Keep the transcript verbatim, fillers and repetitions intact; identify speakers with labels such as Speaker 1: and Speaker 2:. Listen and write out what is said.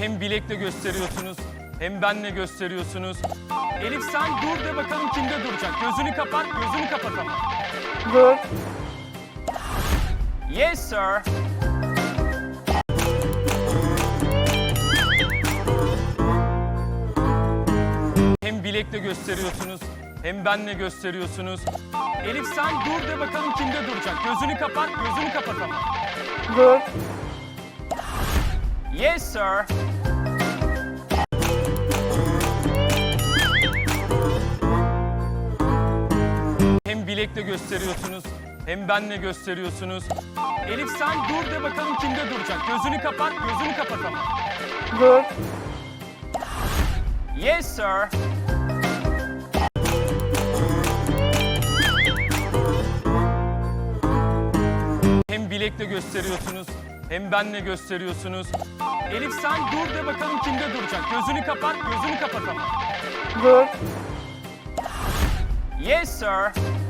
Speaker 1: Hem bilekle gösteriyorsunuz, hem benle gösteriyorsunuz. Elif sen dur de bakalım kimde duracak. Gözünü kapat, gözünü kapat ama.
Speaker 2: Dur.
Speaker 1: Yes sir. Hem bilekle gösteriyorsunuz, hem benle gösteriyorsunuz. Elif sen dur de bakalım kimde duracak. Gözünü kapat, gözünü kapat ama.
Speaker 2: Dur.
Speaker 1: Yes sir. Hem bilekle gösteriyorsunuz, hem benle gösteriyorsunuz. Elif sen dur de bakalım kimde duracak. Gözünü kapat, gözünü kapat ama.
Speaker 2: Dur.
Speaker 1: Yes sir. Hem bilekle gösteriyorsunuz, hem benle gösteriyorsunuz. Elif sen dur de bakalım kimde duracak. Gözünü kapat, gözünü kapat ama.
Speaker 2: Dur.
Speaker 1: Yes sir.